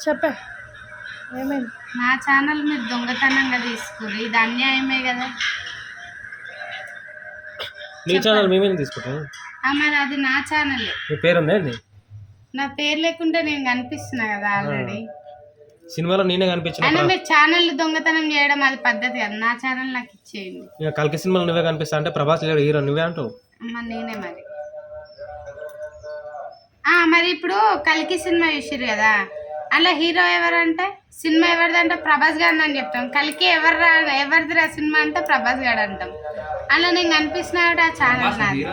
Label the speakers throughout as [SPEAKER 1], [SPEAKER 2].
[SPEAKER 1] చెప్పే ఏమైంది?
[SPEAKER 2] నా ఛానల్ మీరు దొంగతనంగా తీసుకుని ఇది అన్యాయమే కదా.
[SPEAKER 3] నీ ఛానల్ మేమేం తీసుకుంటాం?
[SPEAKER 2] మరి అది నా ఛానల్.
[SPEAKER 3] మీ పేరు ఉందా అండి?
[SPEAKER 2] నా పేరు లేకుంటే నేను కనిపిస్తున్నా కదా ఆల్రెడీ
[SPEAKER 3] సినిమాలో నేనే కనిపించిన.
[SPEAKER 2] అయినా మీరు ఛానల్ దొంగతనం చేయడం అది పద్ధతి కదా. నా ఛానల్ నాకు ఇచ్చేయండి.
[SPEAKER 3] ఇక కల్కి సినిమాలో నువ్వే కనిపిస్తా అంటే ప్రభాస్ లేడు హీరో నువ్వే అంటావు.
[SPEAKER 2] నేనే మరి. మరి ఇప్పుడు కల్కి సినిమా చూసిర్రు కదా, అలా హీరో ఎవరంటే సినిమా ఎవరిదంటే ప్రభాస్ గారిని అని చెప్తాం. కల్కి ఎవరిదిరా సినిమా అంటే ప్రభాస్ గారు అంటాం. అలా నేను కనిపిస్తున్నా ఆ ఛానల్ నాది.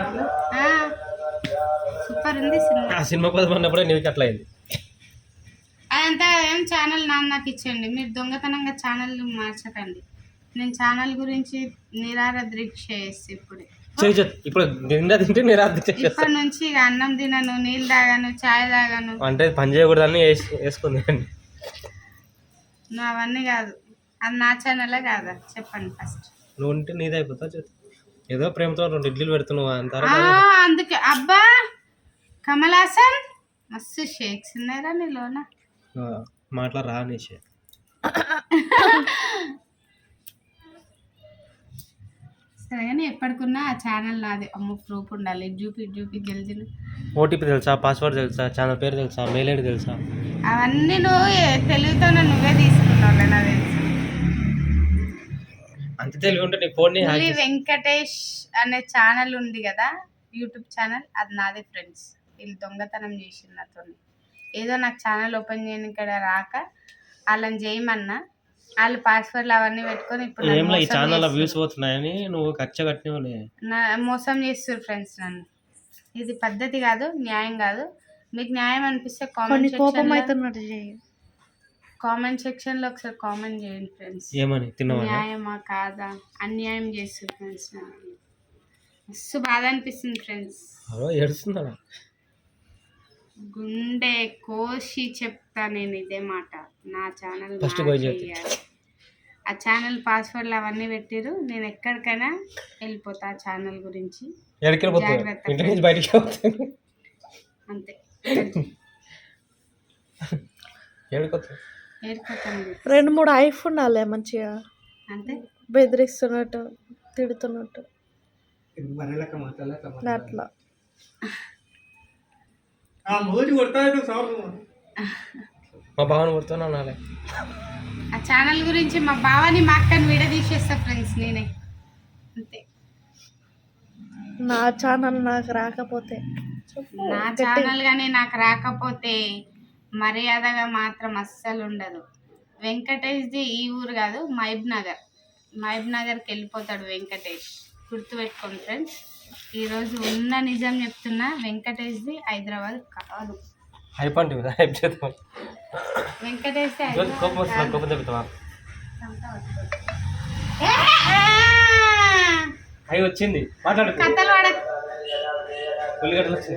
[SPEAKER 2] సూపర్ ఉంది సినిమా.
[SPEAKER 3] ఆ సినిమా కోసం అన్నప్పుడే నీకు అట్లా అయింది.
[SPEAKER 2] అదంతా ఏం ఛానల్ నాకు ఇచ్చేయండి. మీరు దొంగతనంగా ఛానల్ మార్చకండి. నేను ఛానల్ గురించి నిరాదీక్ష చేస్తే
[SPEAKER 3] ఇప్పుడు తింటే
[SPEAKER 2] ఇప్పటి నుంచి ఇక అన్నం తినను, నీళ్ళు తాగాను, చాయ్ తాగాను.
[SPEAKER 3] అంటే పని చేయకూడదని వేసుకుంది.
[SPEAKER 2] నువ్వు అవన్నీ కాదు. అది నా ఛానలే కాదా చెప్పండి ఫస్ట్.
[SPEAKER 3] నువ్వు ఉంటే నీదే అయిపోతా. ఏదో ప్రేమతో 2 ఇడ్లీలు పెడుతున్నావు అంటారా?
[SPEAKER 2] అందుకే అబ్బా కమల్ హాసన్ మస్తు షేక్స్ ఉన్నారా నీలోన.
[SPEAKER 3] మాట్లాడరా అనేసి
[SPEAKER 2] సరే కానీ ఎప్పటికున్నా ఆ ఛానల్ నాది. అమ్మ ప్రూఫ్ ఉండాలి. జూపి జల్దీ.
[SPEAKER 3] ఓటీపీ తెలుసా, పాస్వర్డ్ తెలుసా, ఛానల్ పేరు తెలుసా, మెయిల్ ఐడి తెలుసా?
[SPEAKER 2] అవన్నీ నువ్వు తెలివితోనే నువ్వే తీసుకున్నావు. నాకు తెలుసు.
[SPEAKER 3] అంత తెలివి ఉంటే నీ ఫోన్
[SPEAKER 2] వెంకటేష్ అనే ఛానల్ ఉంది కదా, యూట్యూబ్ ఛానల్, అది నాదే ఫ్రెండ్స్. వీళ్ళు దొంగతనం చేసింది నాతో. ఏదో నాకు ఛానల్ ఓపెన్ చేయని ఇక్కడ రాక వాళ్ళని చేయమన్నా, వాళ్ళు పాస్వర్డ్లు అవన్నీ పెట్టుకొని ఇప్పుడు
[SPEAKER 3] ఈ ఛానల్ వ్యూస్ పోతున్నాయని నువ్వు కట్టనే
[SPEAKER 2] మోసం చేస్తారు ఫ్రెండ్స్ నన్ను. ఇది పద్ధతి కాదు, న్యాయం కాదు. మీకు న్యాయం అనిపిస్తే కామెంట్ సెక్షన్ లో ఒకసారి కామెంట్ చేయండి ఫ్రెండ్స్.
[SPEAKER 3] ఏమని
[SPEAKER 2] న్యాయమా కాదా, అన్యాయం చేస్తారు ఫ్రెండ్స్. మస్తు బాధ అనిపిస్తుంది ఫ్రెండ్స్.
[SPEAKER 3] ఏడుస్తున్నా,
[SPEAKER 2] గుండె కోసి చెప్తా నేను ఇదే మాట. నా ఛానల్ ఆ ఛానల్ పాస్వర్డ్లు అవన్నీ పెట్టిరు. నేను ఎక్కడికైనా వెళ్ళిపోతా ఆ ఛానల్ గురించి. అంతే. ఏడుకోతాను.
[SPEAKER 1] 2-3 ఐఫోన్ ఉండాలి మంచిగా.
[SPEAKER 2] అంతే.
[SPEAKER 1] బెదిరిస్తున్నట్టు, తిడుతున్నట్టు అట్లా.
[SPEAKER 3] మా బావని కొడుతున్నా.
[SPEAKER 2] ఆ ఛానల్ గురించి మా బావని మా అక్కని విడదీసేస్తా ఫ్రెండ్స్ నేనే. అంతే.
[SPEAKER 1] నా ఛానల్ నాకు రాకపోతే,
[SPEAKER 2] నా ఛానల్ కానీ నాకు రాకపోతే మర్యాదగా మాత్రం అస్సలు ఉండదు. వెంకటేష్ది ఈ ఊరు కాదు, మహబూబ్ నగర్కి వెళ్ళిపోతాడు వెంకటేష్. గుర్తుపెట్టుకోండి ఫ్రెండ్స్. ఈరోజు ఉన్న నిజం చెప్తున్నా, వెంకటేష్ది హైదరాబాద్ కాదు. వెంకటేష్
[SPEAKER 3] అవి వచ్చింది మాట్లాడు.
[SPEAKER 2] కథలు పడ
[SPEAKER 3] ఉల్లిగడ్డలు వచ్చింది.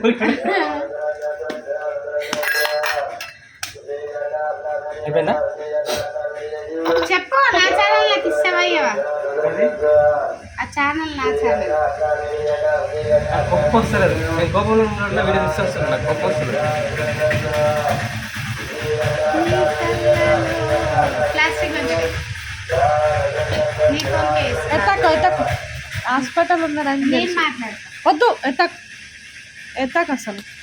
[SPEAKER 3] అయిపోయిందా?
[SPEAKER 2] చెప్పు. నా ఛానల్ నాకు ఇష్టమయ్యవా? ఆ ఛానల్ నా ఛానల్.
[SPEAKER 3] గొప్ప వస్తలేదు. నేను కోపంలో ఉన్న వీడియో తీసుకొస్తాను. నాకు గొప్ప వస్తుంది.
[SPEAKER 2] ప్లాస్టిక్
[SPEAKER 1] ఎత్తకు హాస్పిటల్ ఉన్నదని
[SPEAKER 2] నేను మాట్లాడతా.
[SPEAKER 1] వద్దు. ఎత్తకు అసలు